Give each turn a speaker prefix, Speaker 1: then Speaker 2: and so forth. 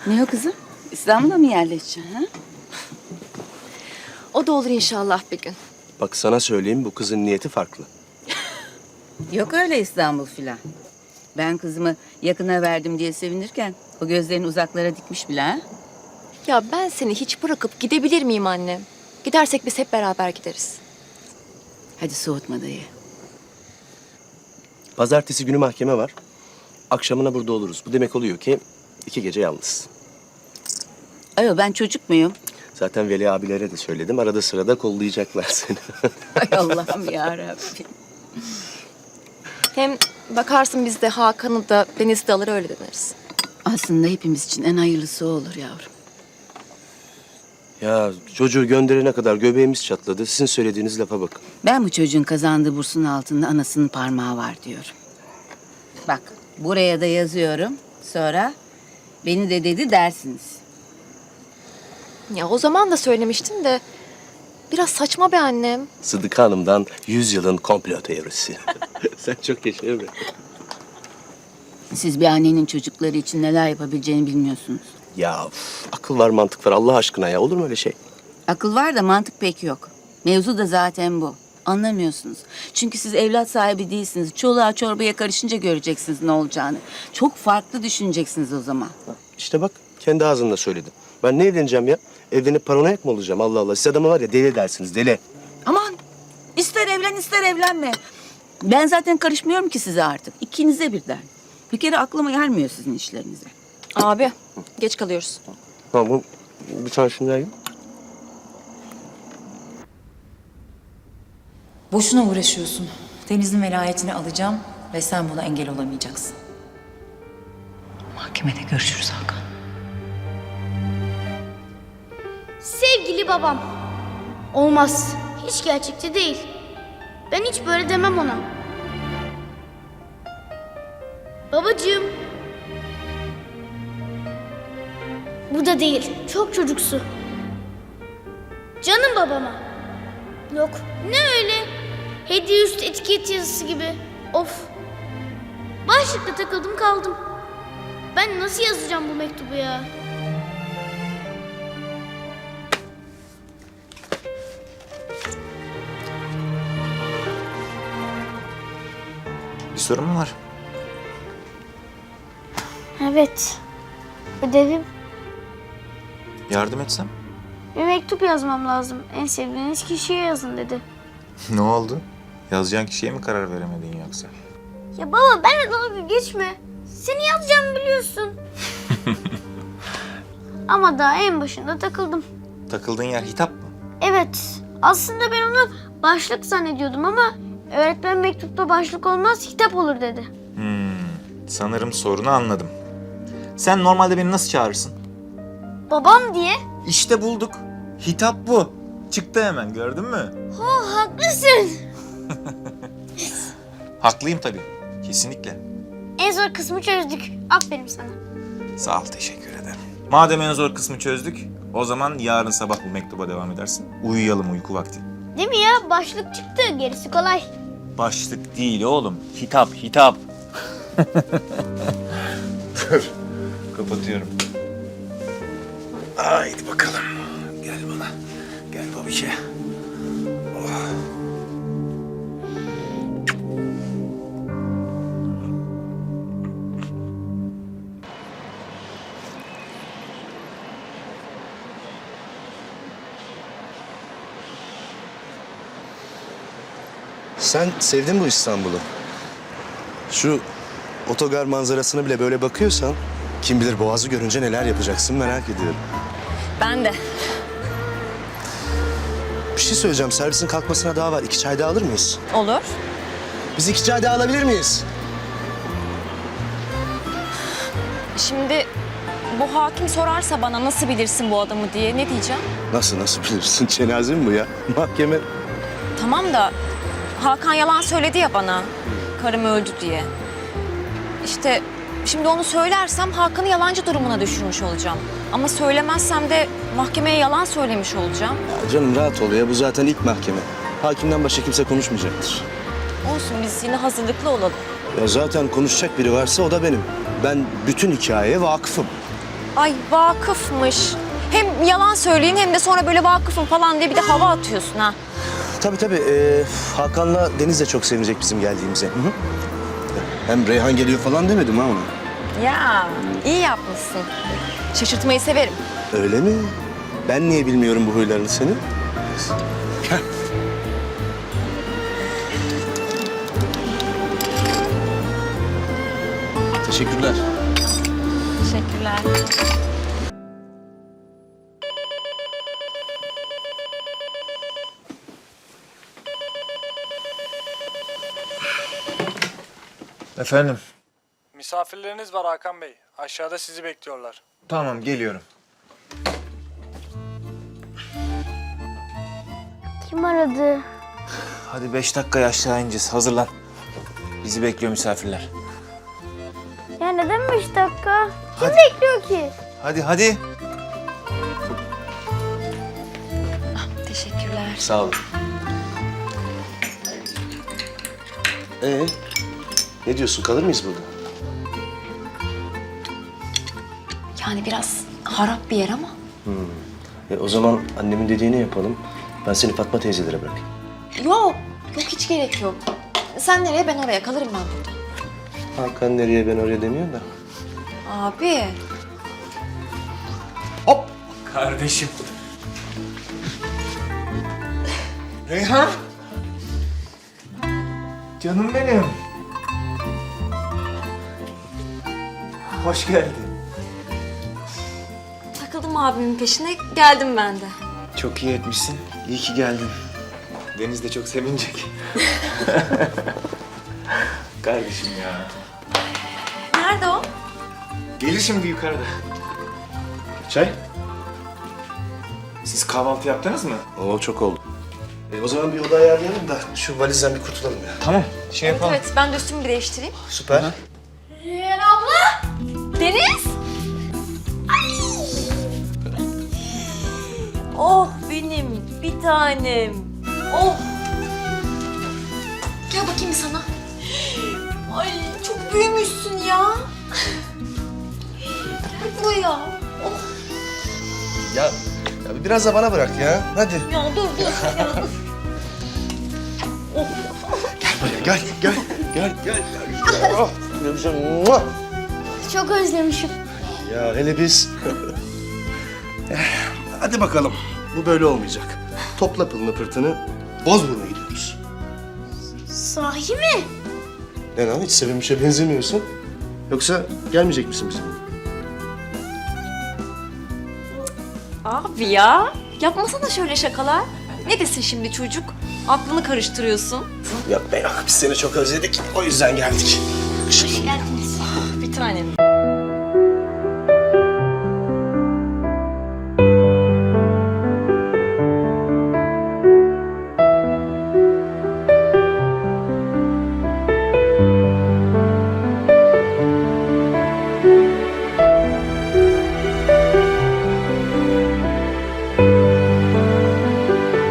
Speaker 1: Ne o kızım? İstanbul'a mı yerleşeceksin ha?
Speaker 2: O da olur inşallah bir gün.
Speaker 3: Bak sana söyleyeyim, bu kızın niyeti farklı.
Speaker 1: Yok öyle İstanbul filan. Ben kızımı yakına verdim diye sevinirken o gözlerini uzaklara dikmiş bile ha?
Speaker 2: Ya ben seni hiç bırakıp gidebilir miyim anne? Gidersek biz hep beraber gideriz.
Speaker 1: Hadi soğutma dayı.
Speaker 3: Pazartesi günü mahkeme var. Akşamına burada oluruz. Bu demek oluyor ki 2 gece yalnız.
Speaker 1: Ayo ben çocuk muyum?
Speaker 3: Zaten Veli abilere de söyledim. Arada sırada kollayacaklar seni.
Speaker 1: Ay Allah'ım yarabbim.
Speaker 2: Hem bakarsın biz de Hakan'ı da Deniz'i de alır öyle döneriz.
Speaker 1: Aslında hepimiz için en hayırlısı o olur yavrum.
Speaker 3: Ya çocuğu gönderene kadar göbeğimiz çatladı. Sizin söylediğiniz lafa bakın.
Speaker 1: Ben bu çocuğun kazandığı bursun altında anasının parmağı var diyorum. Bak buraya da yazıyorum. Sonra beni de dedi dersiniz.
Speaker 2: Ya o zaman da söylemiştin de biraz saçma be annem.
Speaker 3: Sıdıka Hanım'dan 100 yılın komplo teorisi. Sen çok yaşa Emre.
Speaker 1: Siz bir annenin çocukları için neler yapabileceğini bilmiyorsunuz.
Speaker 3: Ya akıl var mantık var Allah aşkına ya. Olur mu öyle şey?
Speaker 1: Akıl var da mantık pek yok. Mevzu da zaten bu. Anlamıyorsunuz. Çünkü siz evlat sahibi değilsiniz. Çoluğa çorbaya karışınca göreceksiniz ne olacağını. Çok farklı düşüneceksiniz o zaman.
Speaker 3: İşte bak kendi ağzınla söyledin. Ben ne evleneceğim ya? Evlenip paranoyak mı olacağım? Allah Allah. Siz adamı var ya deli dersiniz deli.
Speaker 1: Aman ister evlen ister evlenme. Ben zaten karışmıyorum ki size artık. İkinize birden. Bir kere aklıma gelmiyor sizin işlerinize.
Speaker 2: Abi geç kalıyoruz.
Speaker 3: Tamam bu bir tane şunu yiyeyim.
Speaker 4: Boşuna uğraşıyorsun. Deniz'in velayetini alacağım ve sen buna engel olamayacaksın. Mahkemede görüşürüz Hakan.
Speaker 5: Sevgili babam. Olmaz. Hiç gerçekçi değil. Ben hiç böyle demem ona. Babacığım. Bu da değil. Çok çocuksu. Canım babama. Yok. Ne öyle? Hediye üstü etiket yazısı gibi. Of. Başlıkta takıldım kaldım. Ben nasıl yazacağım bu mektubu ya?
Speaker 6: Bir sorun mu var?
Speaker 5: Evet. Ödevim.
Speaker 6: Yardım etsem?
Speaker 5: Bir mektup yazmam lazım. En sevdiğiniz kişiye yazın dedi.
Speaker 6: Ne oldu? Yazacağın kişiye mi karar veremedin yoksa?
Speaker 5: Ya baba benimle dalga geçme. Seni yazacağımı biliyorsun. Ama daha en başında takıldım.
Speaker 6: Takıldığın yer hitap mı?
Speaker 5: Evet. Aslında ben onu başlık zannediyordum ama öğretmen mektupta başlık olmaz hitap olur dedi.
Speaker 6: Sanırım sorunu anladım. Sen normalde beni nasıl çağırırsın?
Speaker 5: Babam diye.
Speaker 6: İşte bulduk. Hitap bu. Çıktı hemen gördün mü?
Speaker 5: Oh haklısın.
Speaker 6: Haklıyım tabii. Kesinlikle.
Speaker 5: En zor kısmı çözdük. Aferin sana.
Speaker 6: Sağ ol, teşekkür ederim. Madem en zor kısmı çözdük, o zaman yarın sabah bu mektuba devam edersin. Uyuyalım uyku vakti.
Speaker 5: Değil mi ya? Başlık çıktı. Gerisi kolay.
Speaker 6: Başlık değil oğlum. Hitap, hitap. Dur. Kapatıyorum. Haydi bakalım. Gel bana. Gel babişe. Oh.
Speaker 3: Sen sevdin bu İstanbul'u. Şu otogar manzarasına bile böyle bakıyorsan kim bilir Boğaz'ı görünce neler yapacaksın merak ediyorum.
Speaker 2: Ben de.
Speaker 3: Bir şey söyleyeceğim. Servisin kalkmasına daha var. 2 çay daha alır mıyız?
Speaker 2: Olur.
Speaker 3: Biz 2 çay daha alabilir miyiz?
Speaker 2: Şimdi bu hakim sorarsa bana nasıl bilirsin bu adamı diye ne diyeceğim?
Speaker 3: Nasıl bilirsin? Cenaze mi bu ya? Mahkeme.
Speaker 2: Tamam da Hakan yalan söyledi ya bana. Karım öldü diye. İşte şimdi onu söylersem Hakan'ı yalancı durumuna düşürmüş olacağım. Ama söylemezsem de mahkemeye yalan söylemiş olacağım.
Speaker 3: Ya canım rahat ol ya. Bu zaten ilk mahkeme. Hakimden başka kimse konuşmayacaktır.
Speaker 2: Olsun biz yine hazırlıklı olalım.
Speaker 3: Ya zaten konuşacak biri varsa o da benim. Ben bütün hikayeye vakıfım.
Speaker 2: Ay vakıfmış. Hem yalan söyleyeyim hem de sonra böyle vakıfım falan diye bir de hava atıyorsun ha.
Speaker 3: Tabii. Hakan'la Deniz de çok sevinecek bizim geldiğimize. Hı hı. Hem Reyhan geliyor falan demedim ha ona.
Speaker 2: Ya iyi yapmışsın. Şaşırtmayı severim.
Speaker 3: Öyle mi? Ben niye bilmiyorum bu huylarını senin? Teşekkürler.
Speaker 2: Teşekkürler.
Speaker 6: Efendim?
Speaker 7: Misafirleriniz var Hakan Bey. Aşağıda sizi bekliyorlar.
Speaker 6: Tamam, geliyorum.
Speaker 5: Kim aradı?
Speaker 6: Hadi 5 dakikaya aşağı ineceğiz. Hazırlan. Bizi bekliyor misafirler.
Speaker 5: Ya neden 5 dakika? Kim
Speaker 6: Hadi.
Speaker 5: bekliyor ki?
Speaker 6: Hadi.
Speaker 2: Teşekkürler.
Speaker 3: Sağ olun. Ne diyorsun? Kalır mıyız burada?
Speaker 2: Yani biraz harap bir yer ama.
Speaker 3: O zaman annemin dediğini yapalım. Ben seni Fatma teyzelere bırakayım.
Speaker 2: Yok hiç gerek yok. Sen nereye ben oraya kalırım ben burada.
Speaker 3: Hakan nereye ben oraya demiyorum da.
Speaker 2: Abi.
Speaker 6: Hop! Kardeşim. Reyhan! Canım benim. Hoş geldin.
Speaker 2: Takıldım abimin peşine geldim ben de.
Speaker 6: Çok iyi etmişsin. İyi ki geldin. Deniz de çok sevinecek. Kardeşim ya.
Speaker 2: Nerede o?
Speaker 6: Gelir şimdi yukarıda.
Speaker 3: Çay?
Speaker 6: Siz kahvaltı yaptınız mı?
Speaker 3: Oo çok oldu. O zaman bir oda ayarlayalım da şu valizden bir kurtulalım ya.
Speaker 6: Tamam. Şey yapalım.
Speaker 2: Evet ben de üstümü bir değiştireyim.
Speaker 3: Süper.
Speaker 5: Reyhan abla!
Speaker 2: Deniz! Oh benim bir tanem. Oh! Gel bakayım bir sana. Ay çok büyümüşsün ya. Gel buraya. Oh
Speaker 3: Ya biraz da bana bırak ya. Hadi.
Speaker 2: ya dur. Ya, dur.
Speaker 3: Gel. Oh, ne güzel. Muah!
Speaker 5: Çok özlemişim.
Speaker 3: Ya hele biz... Hadi bakalım. Bu böyle olmayacak. Topla pılını pırtını. Bozburun'a gidiyoruz.
Speaker 5: Sahi mi?
Speaker 3: Ne lan hiç sevinmişe benzemiyorsun. Yoksa gelmeyecek misin bizimle?
Speaker 2: Abi ya yapmasana şöyle şakalar. Ne desin şimdi çocuk? Aklını karıştırıyorsun.
Speaker 3: Yok be yok. Biz seni çok özledik. O yüzden geldik.
Speaker 2: Bir tanem.